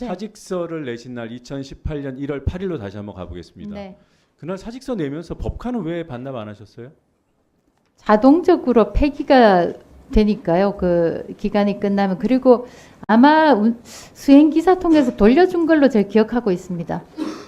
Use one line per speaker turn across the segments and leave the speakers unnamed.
네.
사직서를 내신 날 2018년 1월 8일로 다시 한번 가보겠습니다.
네.
그날 사직서 내면서 법카는 왜 반납 안 하셨어요?
자동적으로 폐기가 되니까요. 그 기간이 끝나면. 그리고 아마 수행기사 통해서 돌려준 걸로 제가 기억하고 있습니다.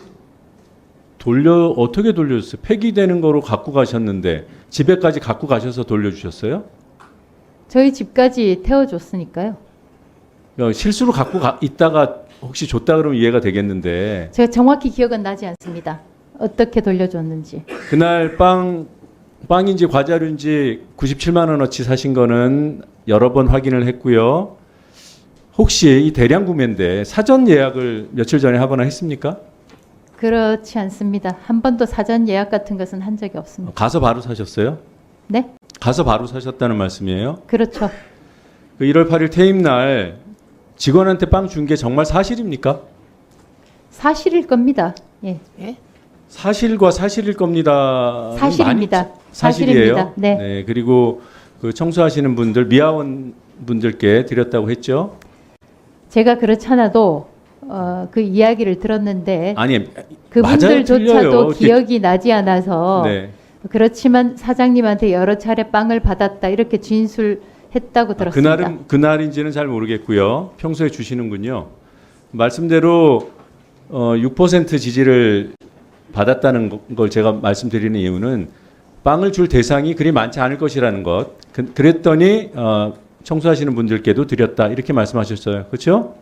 어떻게 돌려줬어요? 폐기되는 거로 갖고 가셨는데 집에까지 갖고 가셔서 돌려주셨어요?
저희 집까지 태워줬으니까요.
실수로 있다가 혹시 줬다 그러면 이해가 되겠는데
제가 정확히 기억은 나지 않습니다. 어떻게 돌려줬는지.
그날 빵인지 과자류인지 97만 원어치 사신 거는 여러 번 확인을 했고요. 혹시 이 대량 구매인데 사전 예약을 며칠 전에 하거나 했습니까?
그렇지 않습니다. 한 번도 사전 예약 같은 것은 한 적이 없습니다.
가서 바로 사셨어요?
네?
가서 바로 사셨다는 말씀이에요?
그렇죠.
그 1월 8일 퇴임 날 직원한테 빵 준 게 정말 사실입니까?
사실일 겁니다. 예.
사실과 사실일 겁니다.
사실입니다.
사실이에요.
사실입니다. 네.
그리고 그 청소하시는 분들 미아원 분들께 드렸다고 했죠.
제가 그렇잖아도 그 이야기를 들었는데
아니
그분들조차도
맞아요,
기억이 나지 않아서
네.
그렇지만 사장님한테 여러 차례 빵을 받았다 이렇게 진술했다고 들었습니다.
그날인지는 잘 모르겠고요. 평소에 주시는군요. 말씀대로 6% 지지를 받았다는 걸 제가 말씀드리는 이유는 빵을 줄 대상이 그리 많지 않을 것이라는 것. 그랬더니 청소하시는 분들께도 드렸다 이렇게 말씀하셨어요. 그렇죠?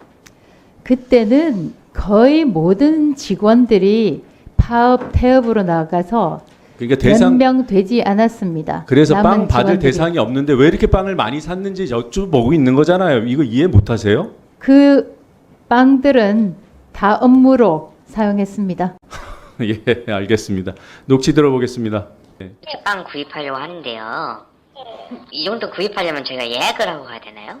그때는 거의 모든 직원들이 파업 태업으로 나가서
그러니까
몇 명 되지 않았습니다.
그래서 빵
남은
받을
직원들이.
대상이 없는데 왜 이렇게 빵을 많이 샀는지 여쭤보고 있는 거잖아요. 이거 이해 못 하세요?
그 빵들은 다 업무로 사용했습니다.
예, 알겠습니다. 녹취 들어보겠습니다.
빵 구입하려고 하는데요. 이 정도 구입하려면 저희가 예약을 하고 가야 되나요?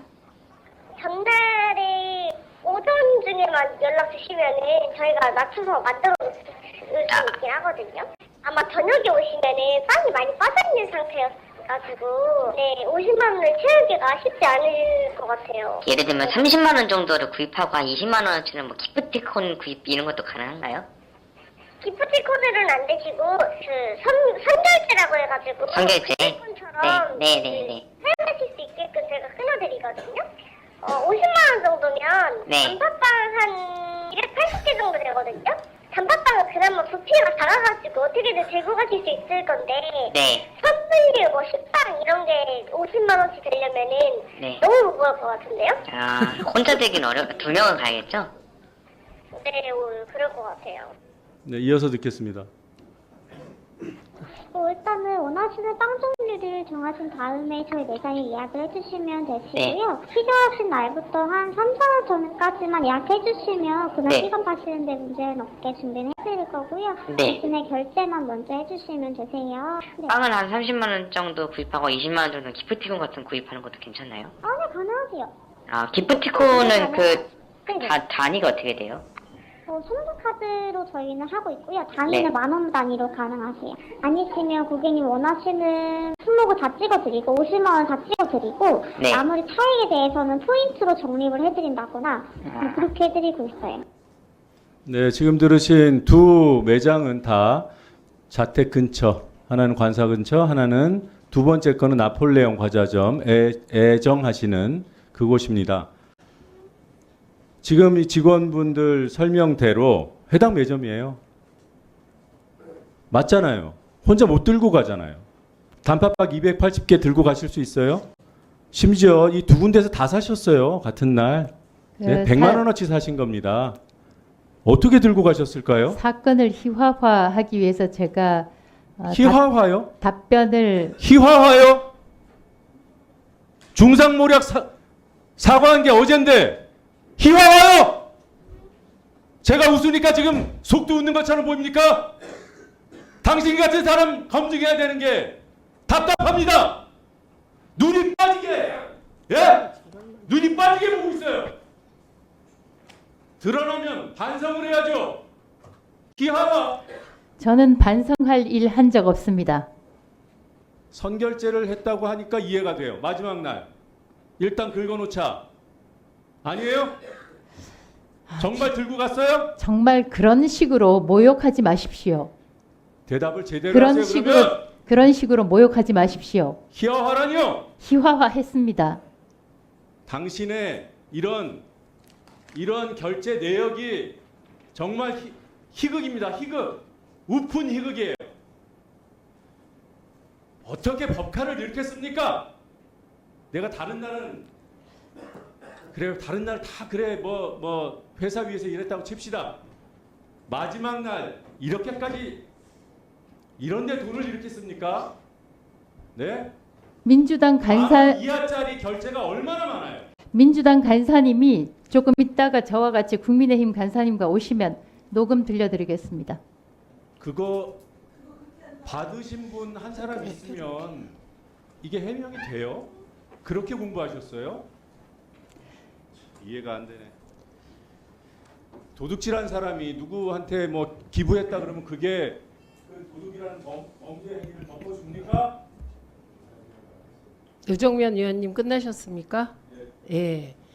전날에 오전 중에만 연락 주시면은 저희가 맞춰서 만들어 놓을 수 있긴 하거든요. 아마 저녁에 오시면은 빵이 많이 빠져있는 상태여가지고 네, 50만 원을 채우기가 쉽지 않을 것 같아요.
예를 들면 30만 원 정도를 구입하고 한 20만 원어치는 뭐 기프티콘 구입 이런 것도 가능한가요?
기프티콘으로는 안 되시고 그 선결제라고 해가지고
선결제?
기프티콘처럼
네.
사용하실 수 있게끔 제가 끊어드리거든요. 50만 원 정도면
네.
단팥빵 한 280개 정도 되거든요. 단팥빵은 그나마 부피가 작아가지고 어떻게든 들고 가실 수 있을 건데
네.
선물류 뭐 식빵 이런 게 50만 원씩 되려면은
네.
너무 무거울 것 같은데요?
아, 혼자 되긴 두 명은 가야겠죠?
네, 그럴 것 같아요.
네, 이어서 듣겠습니다.
일단은 원하시는 빵 종류를 정하신 다음에 저희 매장에 예약을 해주시면 되시고요. 필요하신 날부터 한 3, 4일 전까지만 예약해주시면 그날
네.
시간 파시는데 문제는 없게 준비를 해드릴 거고요.
네.
대신에 결제만 먼저 해주시면 되세요. 네.
빵은 한 30만 원 정도 구입하고 20만 원 정도 기프티콘 같은 거 구입하는 것도 괜찮나요?
네, 가능하세요.
아, 기프티콘은 그
네네.
단위가 어떻게 돼요?
선물카드로 저희는 하고 있고요. 단위는
네.
10,000원 단위로 가능하세요. 아니시면 고객님 원하시는 품목을 다 찍어드리고 50만 원 다 찍어드리고
네.
나머지 차액에 대해서는 포인트로 적립을 해드린다거나 그렇게 해드리고 있어요.
네, 지금 들으신 두 매장은 다 자택 근처, 하나는 관사 근처, 하나는 두 번째 거는 나폴레옹 과자점 애정하시는 그곳입니다. 지금 이 직원분들 설명대로 해당 매점이에요. 맞잖아요. 혼자 못 들고 가잖아요. 단팥빵 280개 들고 가실 수 있어요? 심지어 이 두 군데서 다 사셨어요. 같은 날. 네, 100만 원어치 사신 겁니다. 어떻게 들고 가셨을까요?
사건을 희화화하기 위해서 제가
희화화요?
답변을
희화화요? 중상모략 사과한 게 어젠데 희화화요? 제가 웃으니까 지금 속도 웃는 것처럼 보입니까? 당신 같은 사람 검증해야 되는 게 답답합니다. 눈이 빠지게, 예? 눈이 빠지게 보고 있어요. 드러나면 반성을 해야죠. 희화화.
저는 반성할 일 한 적 없습니다.
선결제를 했다고 하니까 이해가 돼요. 마지막 날 일단 긁어놓자. 아니에요? 정말 들고 갔어요?
정말 그런 식으로 모욕하지 마십시오.
대답을 제대로
그런
하세요.
식으로
그러면
그런 식으로 모욕하지 마십시오.
희화화라뇨.
희화화했습니다.
당신의 이런 결제 내역이 정말 희극입니다. 희극. 우픈 희극이에요. 어떻게 법카를 이렇게 씁니까? 내가 다른 날은 그래요. 다른 날 다 그래 뭐 회사 위에서 일했다고 칩시다. 마지막 날 이렇게까지 이런데 돈을 이렇게 씁니까? 네?
민주당 간사
이하짜리 결제가 얼마나 많아요?
민주당 간사님이 조금 있다가 저와 같이 국민의힘 간사님과 오시면 녹음 들려드리겠습니다.
그거 받으신 분 한 사람 있으면 이게 해명이 돼요? 그렇게 공부하셨어요? 이해가 안 되네. 도둑질한 사람이 누구한테 뭐 기부했다 그러면 그게 그 도둑이라는 범죄 행위를 덮어줍니까?
유정면 의원님 끝나셨습니까? 예.